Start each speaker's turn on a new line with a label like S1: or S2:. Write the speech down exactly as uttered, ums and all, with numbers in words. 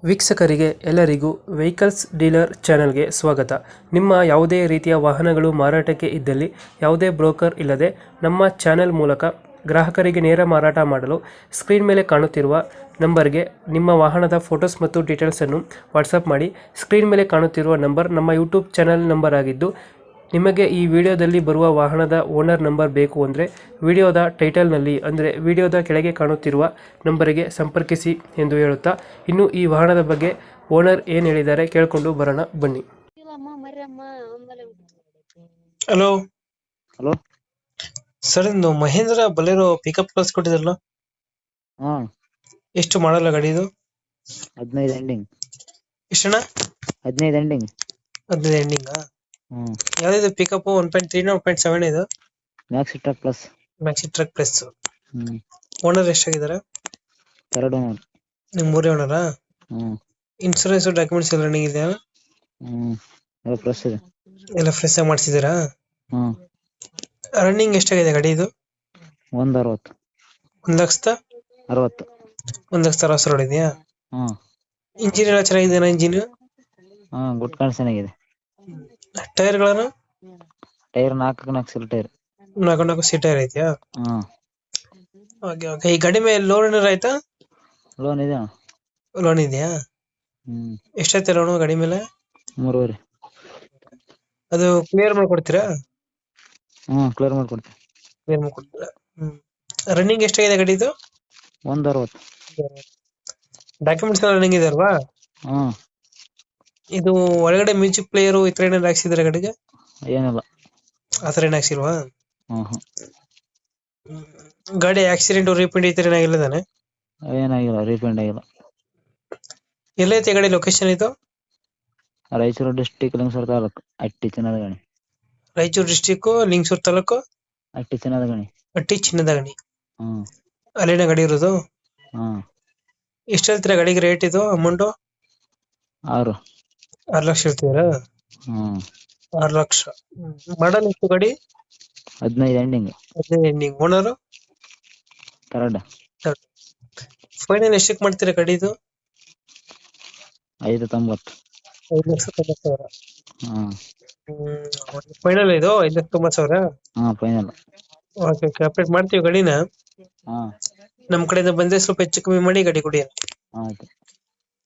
S1: ವೀಕ್ಷಕರಿಗೆ ಎಲ್ಲರಿಗೂ vehicles dealer ಚಾನೆಲ್ಗೆ ಸ್ವಾಗತ. ನಿಮ್ಮ ಯಾವುದೇ ರೀತಿಯ ವಾಹನಗಳು ಮಾರಾಟಕ್ಕೆ ಇದ್ದಲ್ಲಿ ಯಾವುದೇ ಬ್ರೋಕರ್ ಇಲ್ಲದೆ ನಮ್ಮ ಚಾನೆಲ್ ಮೂಲಕ ಗ್ರಾಹಕರಿಗೆ ನೇರ ಮಾರಾಟ ಮಾಡಲು ಸ್ಕ್ರೀನ್ ಮೇಲೆ ಕಾಣುತ್ತಿರುವ ನಂಬರ್ಗೆ ನಿಮ್ಮ ವಾಹನದ ಫೋಟೋಸ್ ಮತ್ತು ಡೀಟೇಲ್ಸನ್ನು ವಾಟ್ಸಪ್ ಮಾಡಿ. ಸ್ಕ್ರೀನ್ ಮೇಲೆ ಕಾಣುತ್ತಿರುವ ನಂಬರ್ ನಮ್ಮ ಯೂಟ್ಯೂಬ್ ಚಾನೆಲ್ ನಂಬರ್ ಆಗಿದ್ದು, ನಿಮಗೆ ಈ ವಿಡಿಯೋದಲ್ಲಿ ಬರುವ ವಾಹನದ ಓನರ್ ನಂಬರ್ ಬೇಕು ಅಂದರೆ ವಿಡಿಯೋದ ಟೈಟಲ್ನಲ್ಲಿ ಅಂದರೆ ವಿಡಿಯೋದ ಕೆಳಗೆ ಕಾಣುತ್ತಿರುವ ನಂಬರಿಗೆ ಸಂಪರ್ಕಿಸಿ ಎಂದು ಹೇಳುತ್ತಾ, ಇನ್ನು ಈ ವಾಹನದ ಬಗ್ಗೆ ಓನರ್ ಏನು ಹೇಳಿದ್ದಾರೆ ಕೇಳಿಕೊಂಡು ಬರೋಣ ಬನ್ನಿ. ಹಲೋ
S2: ಹಲೋ
S1: ಸರ್, ಇಂದು ಮಹೇಂದ್ರ ಬಲೇರೋ ಪಿಕಪ್ ಕಳಿಸ್ಕೊಟ್ಟಿದ್ರಲ್ಲ,
S2: ಹಾ
S1: ಎಷ್ಟು ಮಾಡಲ್ಲ ಗಾಡಿ ಇದು?
S2: ಹದಿನೈದು ಎಂಡಿಂಗ್
S1: ಎಷ್ಟಣ್ಣ?
S2: ಹದಿನೈದು ಎಂಡಿಂಗ್
S1: ಹದಿನೈದು ಎಂಡಿಂಗಾ?
S2: ಹ್ಮ್
S1: ಯಾವ್ದು pickup? One point three one point seven ಇದು
S2: maxi truck plus.
S1: Maxi truck plus.
S2: ಹ್ಮ್
S1: ಓನರ್ ಎಷ್ಟಾಗಿದ್ದಾರೆ?
S2: ಎರಡು
S1: ನಿಮ್ ಮೂರೇ ಓನರಾ?
S2: ಹ್ಮ್
S1: ಇನ್ಸೂರೆನ್ಸ್ ಡಾಕ್ಯುಮೆಂಟ್ಸ್ ಎಲ್ಲ ರನ್ನಿಂಗ್ ಇದೆಯಾ?
S2: ಹ್ಮ್ ಎಲ್ಲ ಪ್ಲಸ್ ಇದೆ.
S1: ಎಲ್ಲ ಫ್ರೆಶ್ ಆಗಿ ಮಾಡಿಸಿದ್ದೀರಾ?
S2: ಹ್ಮ್
S1: ರನ್ನಿಂಗ್ ಎಷ್ಟಾಗಿದೆ ಗಾಡಿ ಇದು?
S2: ಒಂದ್ ಅರವತ್ತು.
S1: ಒಂದ್ ಲಕ್ಷದ
S2: ಅರವತ್ತು.
S1: ಒಂದ್ ಲಕ್ಷದ ಅರವತ್ತು ಸಾವಿರ ಇದೆಯಾ?
S2: ಹ್ಮ್
S1: ಇಂಜಿನ್ ಎಲ್ಲ ಚೆನ್ನಾಗಿದೆಯಾ? ಇಂಜಿನ್
S2: ಹಾ ಗುಡ್ ಕಂಡೀಷನ್ ಆಗಿದೆ.
S1: ಟೈರ್ ಗಳನ್ನು
S2: ಟೈರ್ ನಾಲ್ಕು ನಾಲ್ಕು ಸಿಲ್ ಟೈರ್.
S1: ನಾಲ್ಕು ನಾಲ್ಕು ಸೀಟ್ ಟೈರ್ ಐತಿಯಾ?
S2: ಹ್ಮ್
S1: ಓಕೆ ಓಕೆ. ಈ ಗಾಡಿ ಮೇಲೆ ಲೋನ್ ಏನಾರ ಆಯ್ತಾ?
S2: ಲೋನ್ ಇದೆ ಅಣ್ಣ.
S1: ಲೋನ್ ಇದೆಯಾ?
S2: ಹ್ಮ್
S1: ಎಷ್ಟೈತೆ ಲೋನು ಗಾಡಿ ಮೇಲೆ?
S2: ಮೂರುವರೆ.
S1: ಅದು ಕ್ಲಿಯರ್ ಮಾಡ್ಕೊಡ್ತೀರಾ?
S2: ಹ್ಮ್ ಕ್ಲಿಯರ್ ಮಾಡ್ಕೊಡ್ತೀನಿ.
S1: ಕ್ಲಿಯರ್ ಮಾಡ್ಕೊಡ್ತೀರಾ? ಹ್ಮ್. ರನ್ನಿಂಗ್ ಎಷ್ಟಾಗಿದೆ ಗಾಡಿದು?
S2: ಒಂದ್ ಅರವತ್ತು.
S1: ಡಾಕ್ಯುಮೆಂಟ್ಸ್ ಎಲ್ಲ ರನ್ನಿಂಗ್ ಇದೆ ಅಲ್ವಾ?
S2: ಹ್ಮ್
S1: ಇದು ಒಳಗಡೆ ಮ್ಯೂಸಿಕ್ ಪ್ಲೇಯರ್ ಈ ತರ ಏನಾದ್ರು ಹಾಕ್ಸಿದ್ರೆ ಗಾಡಿಗೆ?
S2: ಏನಿಲ್ಲ.
S1: ಆತರ ಏನ್ ಹಾಕ್ಸಿಲ್ವಾ?
S2: ಹ್ಮ್ ಹ್ಮ್
S1: ಗಾಡಿ ಆಕ್ಸಿಡೆಂಟ್ ರೀಪೇಂಟ್ ಈ ತರ ಏನಾಗಿಲ್ಲ ತಾನೆ?
S2: ಏನಾಗಿಲ್ಲ, ರೀಪೇಂಟ್ ಆಗಿಲ್ಲ.
S1: ಎಲ್ಲೈತೆ ಗಾಡಿ ಲೊಕೇಶನ್ ಇದು?
S2: ರಾಯಚೂರು ಡಿಸ್ಟಿಕ್ ಲಿಂಗಸೂರು ತಾಲೂಕು ಅಟ್ಟಿ ಚಿನ್ನದ ಗಣಿ.
S1: ರಾಯಚೂರು ಡಿಸ್ಟಿಕ್ ಲಿಂಗಸೂರು ತಾಲೂಕು
S2: ಅಟ್ಟಿ ಚಿನ್ನದ ಗಣಿ.
S1: ಅಟ್ಟಿ ಚಿನ್ನದ ಗಣಿ.
S2: ಹ್ಮ್
S1: ಅಲ್ಲಿನ ಗಾಡಿ ಇರೋದು?
S2: ಹ್ಮ್
S1: ಎಷ್ಟು ಹೇಳ್ತೀರಾ ಗಾಡಿಗೆ ರೇಟ್ ಇದು ಅಮೌಂಟ್?
S2: ಆರು.
S1: ಆರು ಲಕ್ಷ ಹೇಳ್ತೀರಾ?
S2: ಹ್ಮ್
S1: ಆರು ಲಕ್ಷ. ಮಾಡಲ್ ಎಷ್ಟು ಗಾಡಿ?
S2: ಹದಿನೈದು ಎಂಡಿಂಗ್.
S1: ಹದಿನೈದು ಎಂಡಿಂಗ್. ಓನರ್
S2: ಕರಡ.
S1: ಫೈನಲ್ ಎಷ್ಟಕ್ಕೆ ಮಾಡ್ತೀರಾ ಗಾಡಿದು?
S2: ಐದು ತೊಂಬತ್ತು.
S1: ಐದು ಲಕ್ಷ ತೊಂಬತ್ತು ಸಾವಿರ.
S2: ಹ್ಮ್
S1: ಫೈನಲ್ ಇದು ಐದು ಲಕ್ಷ ತೊಂಬತ್ತು ಸಾವಿರ?
S2: ಹಾ ಫೈನಲ್.
S1: Okay okay. ಅಪ್ಡೇಟ್ ಮಾಡ್ತೀವಿ ಗಾಡಿನ.
S2: ಹಾ
S1: ನಮ್ ಕಡೆಯಿಂದ ಬಂದ್ರೆ ಸ್ವಲ್ಪ ಹೆಚ್ಚು ಕಮ್ಮಿ ಮಾಡಿ ಗಾಡಿ ಕೊಡಿ.
S2: ಆಯ್ತು.